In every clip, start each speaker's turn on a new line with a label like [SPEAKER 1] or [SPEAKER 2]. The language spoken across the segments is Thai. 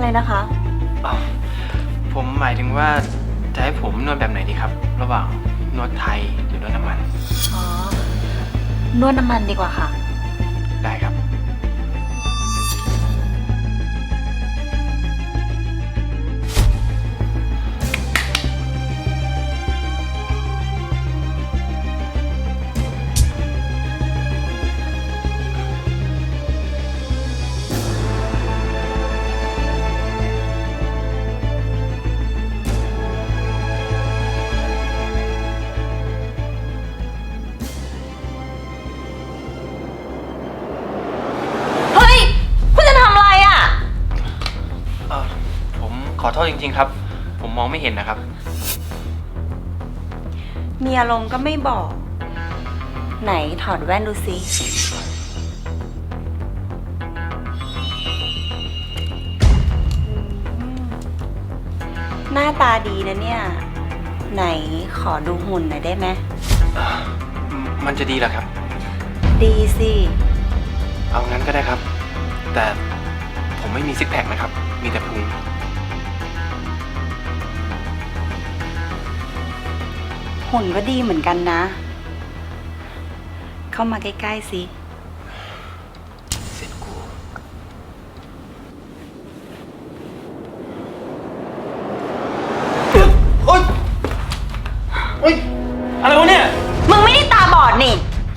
[SPEAKER 1] นะคะ
[SPEAKER 2] ผมหมายถึงว่าจะให้ผมนวดแบบไหนดีครับ ระหว่างนวดไทยหรือนวดน้ำมัน
[SPEAKER 1] อ๋อ นวดน้ำมันดีกว่าค่ะ
[SPEAKER 2] ได้ครับ
[SPEAKER 1] เฮ้ย คุณจะทำอะไรอ่ะ
[SPEAKER 2] ผมขอโทษจริงๆครับ ผมมองไม่เห็นนะครับ
[SPEAKER 1] มีอารมณ์ก็ไม่บอก ไหนถอดแว่นดูสิหน้าตาดีนะเนี่ย ไหนขอดูหุ่นหน่อยได้ไหม
[SPEAKER 2] มันจะดีเหรอครับ
[SPEAKER 1] ดีสิ
[SPEAKER 2] เอางั้นก็ได้ครับ แต่ผมไม่มีซิกแพคนะครับ มีแต่พุง
[SPEAKER 1] หุ่นก็ดีเหมือนกันนะ เข้ามาใกล้ๆสิ
[SPEAKER 2] เสร็จกูโอ๊ยโอ๊ยอะไรวะเนี่ย
[SPEAKER 1] มึงไม่ได้ตาบอดนี่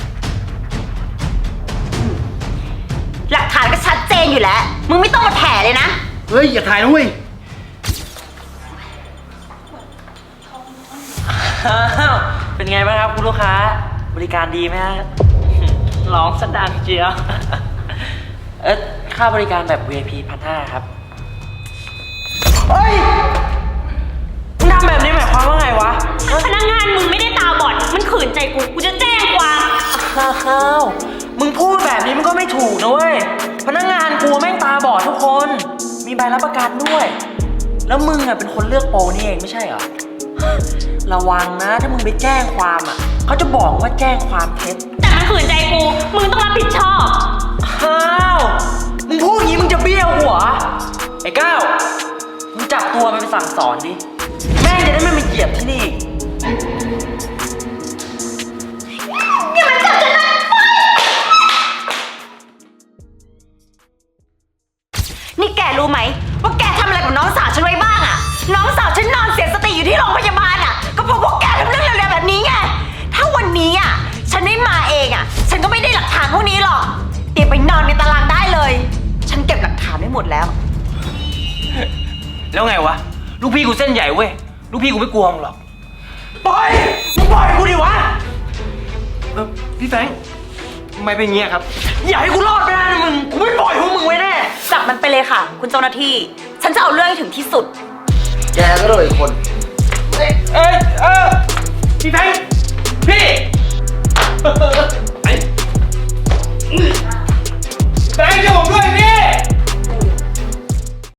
[SPEAKER 1] หลักฐานก็ชัดเจนอยู่แล้ว มึงไม่ต้องมาแถเลยนะ
[SPEAKER 2] เฮ้ย อย่าถ่ายนะเว้ย
[SPEAKER 3] เป็นไงบ้างครับคุณลูกค้าบริการดีไหมฮะ ร้องสดังเจียว ค่าบริการแบบ VIP 1,500 ครับเฮ้ยมึงทำแบบนี้หมายความว่าไงวะ
[SPEAKER 4] พนักงานมึงไม่ได้ตาบอด มันขืนใจกูจะแจ้งความ
[SPEAKER 3] อ้าวมึงพูดแบบนี้มันก็ไม่ถูกนะเว้ย พนักงานกูแม่งตาบอดทุกคน มีใบรับประกันด้วย แล้วมึงอ่ะเป็นคนเลือกโปรนี่เองไม่ใช่เหรอ ระวังนะถ้ามึงไปแจ้งความอ่ะเขาจะบอกว่าแจ้งความเท็จ
[SPEAKER 4] แต่มันขืนใจกู มึงต้องรับผิดชอบ
[SPEAKER 3] อ้าวมึงพูดอย่างนี้มึงจะเบี้ยวหัว ไอ้ก้าวมึงจับตัวมันไปสั่งสอนดิ แม่งจะได้ไม่มาเหยียบที่นี่
[SPEAKER 1] นี่แกรู้ไหมว่าแกทำอะไรกับน้องสาวฉันไว้บ้างอะน้องสาวฉันนอนเสียสติอยู่ที่โรงพยาบาลอะก็เพราะพวกแกทำเรื่องเร็วๆแบบนี้ไง ถ้าวันนี้อะฉันไม่มาเองอะฉันก็ไม่ได้หลักฐานพวกนี้หรอกเตรียมไปนอนในตารางได้เลย ฉันเก็บหลักฐานไว้หมดแล้ว
[SPEAKER 3] แล้วไงวะ ลูกพี่กูเส้นใหญ่เว้ย ลูกพี่กูไม่กลัวมึงหรอก ปล่อย มึงปล่อยกูดิวะ
[SPEAKER 2] พี่แฟรงค์ทำไมเป็นอย่างเงี้ยครับ
[SPEAKER 3] อย่าให้กูรอดไปนะมึง กูไม่ปล่อยพวกมึงไว้แน่
[SPEAKER 1] จับมันไปเลยค่ะ คุณเจ้าหน้าที่ ฉันจะเอาเรื่องให้ถึงที่สุด
[SPEAKER 2] แกก็โดนอีกคน